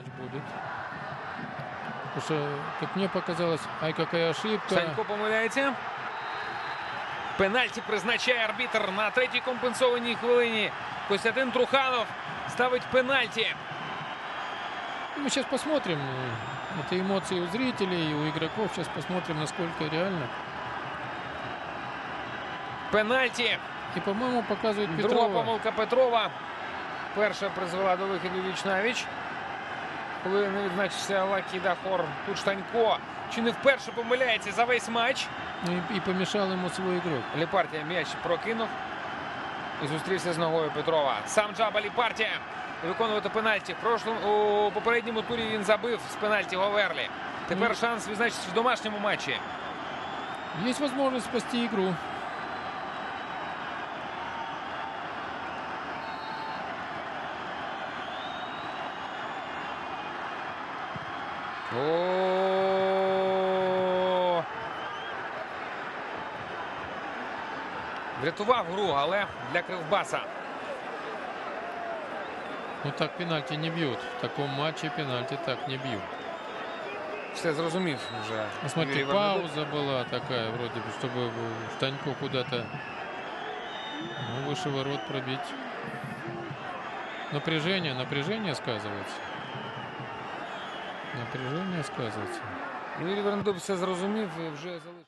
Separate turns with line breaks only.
Мяч будет. Потому что, как мне показалось, ай, какая ошибка.
Санько помиляється. Пенальті призначає арбітр на третій компенсованій хвилині. Костянтин Труханов ставить пенальті.
Мы сейчас посмотрим. Это эмоции у зрителей и у игроков. Сейчас посмотрим, насколько реально.
Пенальті.
И, по-моему, показывает
Друга
Петрова.
помилка Петрова. Перша призвела до виходу віч-навіч. Коли не відзначився Лакі Дахор. Тут Штанько чи не вперше помиляється за весь матч.
Ну и помешал ему свой игрок.
Ліпартія м'яч прокинув. І зустрівся з ногою Петрова. Сам Джаба Ліпартія виконувати пенальті. У попередньому турі він забив з пенальті Говерлі. Тепер шанс відзначитися в домашньому матчі.
Есть возможность спасти игру.
Врятував гру, але для Кривбаса.
Ну так пенальти не бьют. В таком матче пенальти так не бьют.
Все зрозумів вже.
А смотри,
Юрій Вернедуб.
пауза была такая, вроде бы, чтобы Штанько куда-то выше ворот пробить. Напряжение сказывается. Напряжение сказывается.
Юрій Вернедуб все зрозумів і вже залишив.